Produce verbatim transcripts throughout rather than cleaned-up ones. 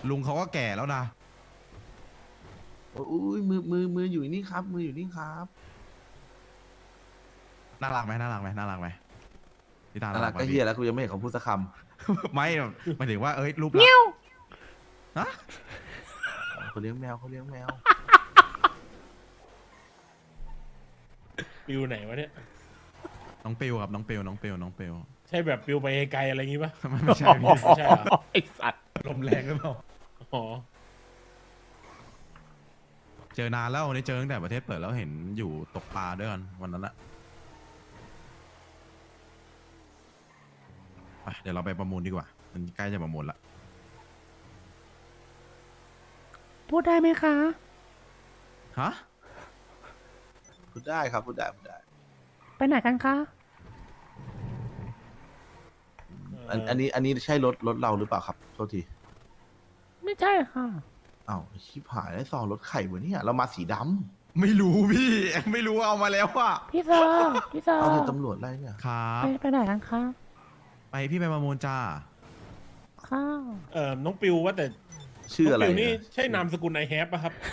ลุงเขาก็แก่แล้วนะโอ้ยมือมือมืออยู่นี่ครับมืออยู่นี่ครับน่ารักไหมน่ารักไหมน่ารักไหมพี่ตาน่าน่ารัรักกไหมก็เฮีพี่ยแล้วกูยังไม่เห็นเขาพูดสักคไม่หมายถึงว่าเอ้ยรูปลักษณ์ฮะำเขาเลี้ยงแมวเขาเลี้ยงแมวปิวไหนวะเนี่ยน้องปิวครับน้องปิวน้องปิวน้องปิวใช่แบบปิวไปไกลอะไรอย่างงี้ปะไม่ไม่ใช่พี่ไม่ใช่เหรอไอสัตว์ลมแรงหรือเปล่าอ๋อเจอนานแล้ววันนี้เจอตั้งแต่ประเทศเปิดแล้วเห็นอยู่ตกปลาด้วยกันวันนั้นอะไปเดี๋ยวเราไปประมูลดีกว่ามันใกล้จะประมูลละพูดได้ไหมคะฮะพูดได้ครับพูดได้พูดได้ไปไหนกันคะอันอันนี้อันนี้ใช่รถรถเราหรือเปล่าครับโทษทีไม่ใช่ค่ะอ้าวชิบหายได้ซองรถไข่วะเนี่ยเรามาสีดำไม่รู้พี่ ไม่รู้เอามาแล้วอะพี่เซอร์พี่เซอร์เอาเดี๋ยวตำรวจไล่เนี่ยครับไปไปไหนกันคะไปพี่ไปประมูลจ้าข้าวเอ่อน้องปิวว่าแต่ชื่ออะไรน้งปิวนี่นะใช่นามสกุลไอแฮปป่ะครับ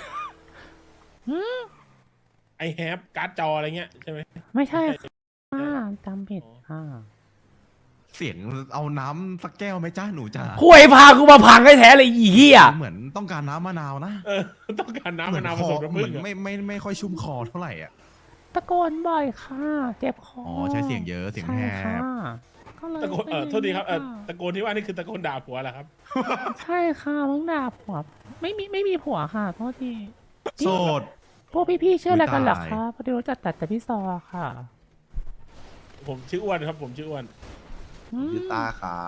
ไอแฮปการ์ดจออะไรเงี้ยใช่ไหมไม่ใช่ค่ะจำผิดค่ะเสียงเอาน้ำสักแก้วไหมจ้าหนูจ้าคุยพากูมาพังให้แท้เลยอีเหี้ยเหมือนต้องการน้ำมะนาวนะเออต้องการน้ำเหมืมะอนนาวคผอสมน้ำเหผึ้มือง นอะไม่ไม่ไม่ค่อยชุ่มคอเท่าไหร่อ่ะตะโกนบ่อยค่ะ เจ็บคออ๋อ๋อใช้เสียงเยอะเสียงแหบใช่ค่ะก็เลยตะโกนเออโทษทีครับเออตะโกนที่ว่านี่คือตะโกนด่าผัวเหรอครับใช่ค่ะมึงด่าผัว ไม่มีไม่มีผัวค่ะโทษทีโสดพวกพี่ๆชื่ออะไรกันเหรออุ๊ยตายคะพอดีรู้จักแต่แต่พี่ซอค่ะผมชื่ออ้วนครับ ผมชื่ออ้วนอืมชื่อตาครับ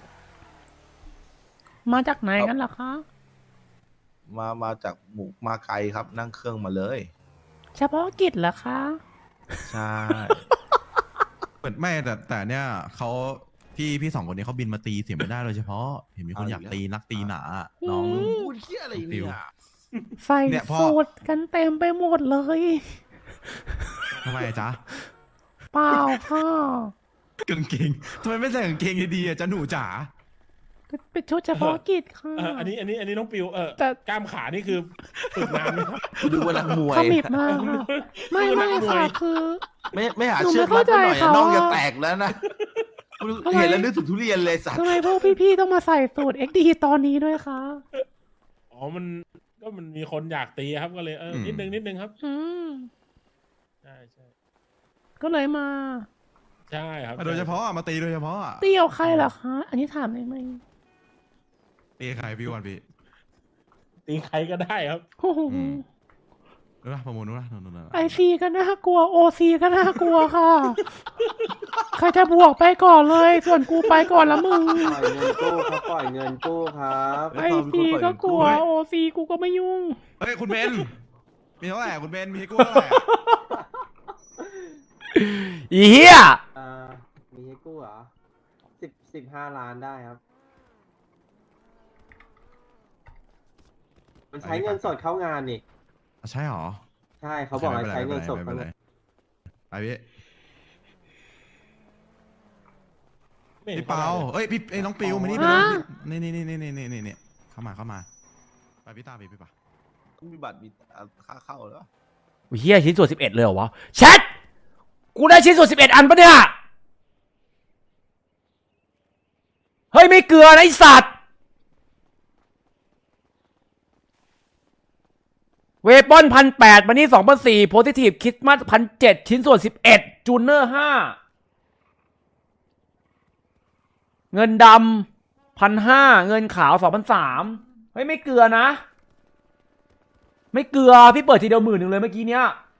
มาจากไหนกันเหรอคะมามาจากหมู่มาไกลครับนั่งเครื่องมาเลยเฉพาะกิจเหรอคะใช่เหมือนไม่แต่แต่เนี่ยเขาพี่พี่สองคนนี้เขาบินมาตีเสียงไม่ได้โดยเฉพาะเห็นมีคนอยากตีนักตีหนาน้องพูดเฮียอะไรเนี่ยใส่เนี่ยพ่อสูตรกันเต็มไปหมดเลยทำไมอะจ๊ะเปล่าค่ะกางเกงทำไมไม่ใส่กางเกงดีๆอะจ๊ะหนูจ๋าเป็นชุดเฉพาะกิจค่ะเอออันนี้อันนี้อันนี้น้องปิวเออแต่กล้ามขานี่คือฝึกนานไหมครับดูว่านักมวยขมิบมากค่ะไม่ไม่ค่ะคือไม่ไม่หาหนูเชือกไม่รัดเข้ามาหน่อยใจอะเขาน้องจะอะแตกแล้วนะทำไมเห็นแล้วนึกถึงทุเรียนเลยสัตว์ทำไมพวกพี่ๆต้องมาใส่สูตร เอ็กซ์ ดี ตอนนี้ด้วยคะอ๋อมันก็มันมีคนอยากตีครับก็เลยเออนิดนึงนิดนึงครับอืมใช่ใช่ก็เลยมาใช่ครับโดยเฉพาะอะมาตีโดยเฉพาะอะเตี่ยวใครเหรอคะ อันนี้ถามได้ไหมตีใครพี่วันพี่ตีใครก็ได้ครับโอ้โหอืม นู้นนะประมูลนู้นนะนู้นนู้นนู้นไอซีก็น่ากลัวโอซีก็น่ากลัวค่ะ ใครจะบวกไปก่อนเลย ส่วนกูไปก่อนละมึงปล่อยเงินกู้ครับปล่อยเงินกู้ครับไอซีก็กลัวโอซีกูก็ไม่ยุ่งเฮ้ยคุณเบนมีเท่าไหร่อะคุณเบนมีให้กู้เท่าไหร่อะอีเหี้ยอ่ามีให้กู้เหรอสิบสิบห้าล้านได้ครับ มันใช้เงินสดเข้างานนี่ใช่หรอใช่เขาบอกให้ใช้เงินสดไม่เข้าเป็นไรงานไปพี่ไม่ห็นพี่เปาเอ้ยพี่ไอ้น้องปิวมานี่ฮะนี่นี่นี่นี่นี่นี่นี่นี่เข้ามาเข้ามาไปพี่ตาพี่พี่ปะต้องมีบัตรมีค่าเข้าแล้วเฮียชิ้นส่วนสิบเอ็ดเลยเหรอวะแชทกูได้ชิ้นส่วนสิบเอ็ดอันปะเนี่ย เฮ้ย ไม่เกลือนะไอสัตว์ เวปอนพันแปดมันนี่สองพันสี่โพซิทีฟคิดมัดพันเจ็ดชิ้นส่วนสิบเอ็ดจูเนอร์ห้าเงินดำพันห้าเงินขาวสองพันสามเฮ้ย ไม่เกลือนะ ไม่เกลือ พี่เปิดทีเดียวหมื่นหนึ่งเลยเมื่อกี้เนี้ย